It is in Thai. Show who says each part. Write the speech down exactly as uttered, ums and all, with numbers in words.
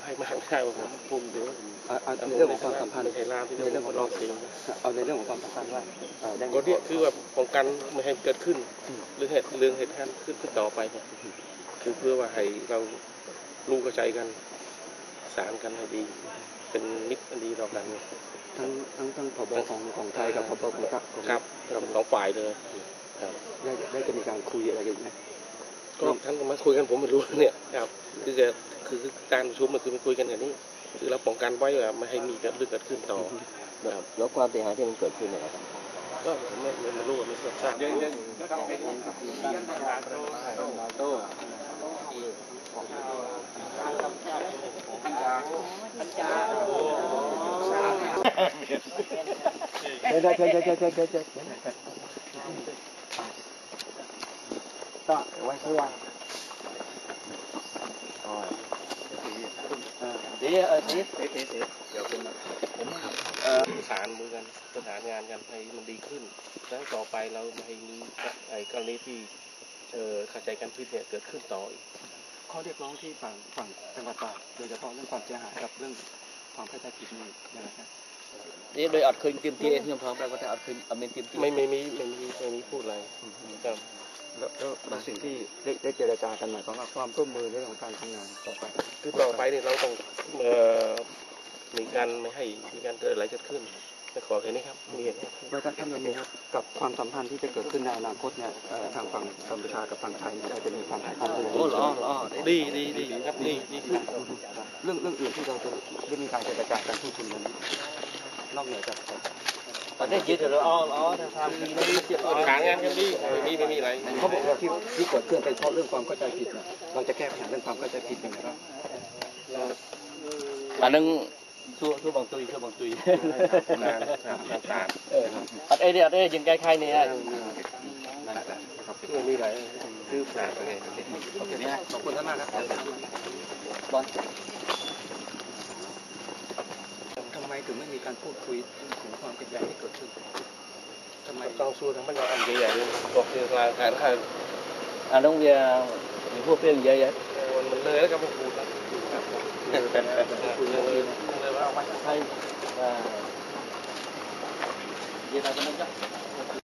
Speaker 1: รมากไม่ได้ว่าผมภูมิเดี๋ยว
Speaker 2: ในเรื่องของความสัมพันธ์
Speaker 1: ในเรื่องของรอบเสียง
Speaker 2: เอาในเรื่องของความสัมพันธ์ว่า
Speaker 1: ก็เนี่ยคือว่าป้องกันไม่ให้เกิดขึ้นหรือเหตุเรื่องเหตุการณ์ขึ้นขึ้นต่อไปเนี่ยคือเพื่อว่าให้เรารู้กระจายกันสารกันให้ดีเป็นมิตรดีต่อกัน
Speaker 2: ทั้งทั้งทั้งผบของของไทยกับผบของ
Speaker 1: ครับสองฝ่ายเลยครับ
Speaker 2: ได้ได้จะมีการคุยอะไรกันไหม
Speaker 1: ก็ท่านก็มาคุยกันผมไม่รู้เนี่ยครับคือจะคือการประชุมมันคือมันคุยกันอย่างนี้คือเราป้องกันไว้ว่าไม่ให้มีเกิดเรื่องเกิดขึ้นต่อ
Speaker 3: ครับแล้วความเสียหายที่มันเกิดขึ้นเนี่ยครับ
Speaker 1: ก็ไม่ไม่ไม่รู้ไม่ทราบ
Speaker 2: เดี๋ยวเดี๋ยวเดี๋ยวเดี๋ยวเดี๋ยวเดี๋ยวเดี๋ยวต่อไว้ข้างล่าง
Speaker 3: เดี๋ยวเออเดี๋ยวเดี๋ยวเดี๋ยวเป็น
Speaker 1: ผมประสานมือกันประสานงานกันให้มันดีขึ้นแล้วต่อไปเราไม่ให้มีไอ้กรณีที่เอ่อเข้าใจกันผิดเนี่ยเกิดขึ้นต่ออีก
Speaker 2: ข้อเรียกร้องที่ฝั่งฝั่งจังหวัดตากโดยเฉพาะเรื่องความเสียหายกับเรื่องความเข้าใจผิดนี่นะครับ
Speaker 3: นี่โดยอัดคืนเตรียมที่เองยังพร้อมแล้วก็แต่อัดคืนอเมนเตรียมที่
Speaker 1: ไม่ไม่มีไม่มีไม่มีพูดอะไรครับ
Speaker 2: แล้วแล้วสิ่งที่ได้ได้เจรจากันหมายความว่าความร่วมมือในเรื่องของการทำงานต่อไป
Speaker 1: คือต่อไปเนี่ยเราต้องเอ่อมีการไม่ให้มีการเกิดอะไรเกิดขึ้นจะขอแค่นี้ครับมีอย่างนี้
Speaker 2: แล้วท่านนี้ครับกับความสัมพันธ์ที่จะเกิดขึ้นในอนาคตเนี่ยทางฝั่งกัมพูชากับฝั่งไทยเนี่ยจะมีความสัมพันธ์
Speaker 3: โอ้หล่อหล่อ
Speaker 1: ดีดีดีครับดีดีขึ้น
Speaker 2: เรื่องเรื่องอื่นที่เราจะได้มีการเจรจากันพูดคุยกันนอกเหนือจาก
Speaker 3: ตอนนี้ยืดเลยอ๋ออ๋อทำดีนะเสียบ
Speaker 1: ขางานกันดีไม่มีไม่มีอะไร
Speaker 2: เขาบอกว่าที่ที่เกิดขึ้นเป็นเพราะเรื่องความเข้าใจผิดเราจะแก้ปัญหาเรื่องความเข้าใจผิดยังไงบ้าง
Speaker 3: อันนึงชั่วชั่วบางตุยชั่วบางตุย
Speaker 1: งานงาน
Speaker 3: เอออัดเอเดียอัดเอยังใกล้ใครเนี่ย
Speaker 1: ไม่มีอะไรคือผ่านไปไง
Speaker 2: โอเคนี่ขอบคุณท่านมากครับบอลทำไมถึงไม่มีการพูดคุยถึงความขัดแย้งที่เกิดขึ้นทำไม
Speaker 1: ต้องสู้ทั้งบรรดาอันใหญ่ๆเลยบอกคือรายการค่ะ
Speaker 3: อันต้องเวียมีพวกเพื่อนเยอะ
Speaker 1: ๆมันเลยแล้วก็มาพูดแล้ว
Speaker 3: คุยเลยเลยว่าเอาไว้ให้เย็นอะไรกันนะจ๊ะ